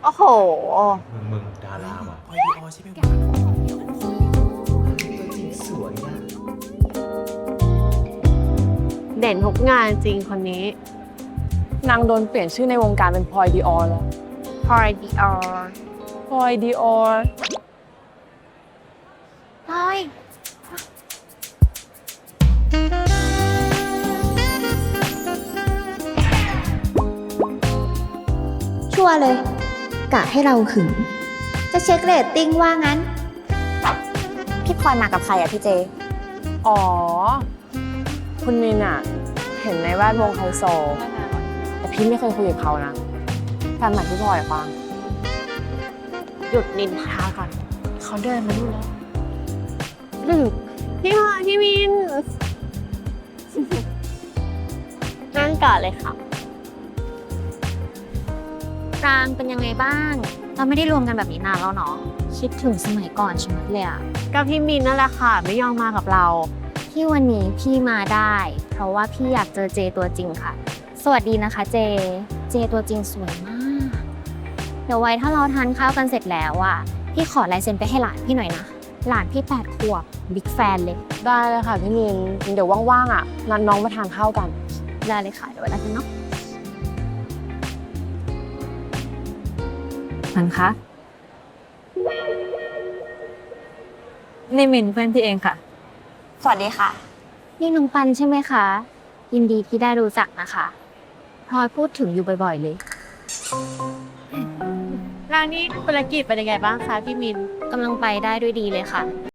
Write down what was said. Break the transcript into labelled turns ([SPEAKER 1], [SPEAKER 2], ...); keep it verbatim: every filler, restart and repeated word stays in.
[SPEAKER 1] โอ้โห
[SPEAKER 2] มึงมึงดาราว่ะ
[SPEAKER 3] พลอยดีออใช่ไหมวะ
[SPEAKER 2] ตัวจริงสวยอ่ะ
[SPEAKER 1] เด่นทุกงานจริงคนนี้
[SPEAKER 4] นางโดนเปลี่ยนชื่อในวงการเป็นพลอยดีออแล้ว
[SPEAKER 1] พอยดีออ
[SPEAKER 4] พลอยดีออ
[SPEAKER 1] พอย
[SPEAKER 5] ชัวร์เลย กะให้เราหึง จะเช็คเรตติ้งว่างั้น
[SPEAKER 6] พี่พลอยมากับใครอะพี่เจ
[SPEAKER 4] อ๋อ คุณมินอะเห็นในแวดวงไฮโซ แต่พี่ไม่เคยคุยกับเขานะแฟนใหม่พี่พลอยอะฟัง
[SPEAKER 1] หยุดนินทาก่อน เขาเดินมาดูแล้วหนึ่งพี่พลอยพี่มิน นั่งก่อนเลยค่ะ
[SPEAKER 6] ปรางเป็นยังไงบ้าง เราไม่ได้รวมกันแบบนี้นานแล้วเนาะ คิดถึงสมัยก่อนใช่ไหมเลยอะ
[SPEAKER 1] ก็พี่มินนั่นแหละค่ะ ไม่ยอมมากับเรา
[SPEAKER 6] ที่วันนี้พี่มาได้ เพราะว่าพี่อยากเจอเจตัวจริงค่ะ สวัสดีนะคะเจ เจตัวจริงสวยมาก เดี๋ยวไว้ถ้าเราทานข้าวกันเสร็จแล้วอะพี่ขอลายเซ็นไปให้หลานพี่หน่อยนะ หลานพี่แปดขวบบิ๊กแฟนเลย
[SPEAKER 4] ได้เลยค่ะพี่มิน เดี๋ยวว่างๆอะนัดน้องมาทานข้าวกัน
[SPEAKER 6] ได้เลยค่ะเดี๋ยวไว้แล้วกันเนาะ
[SPEAKER 7] มันคะนี่มินเพื่อนพี่เองค่ะ
[SPEAKER 6] สวัสดีค่ะ นี่น้องปันใช่ไหมคะ ยินดีที่ได้รู้จักนะคะพลอยพูดถึงอยู่บ่อยๆเลย
[SPEAKER 1] ร้านนี้ธุรกิจเป็นยังไงบ้างคะพี่มิน
[SPEAKER 6] กำลังไปได้ด้วยดีเลยค่ะ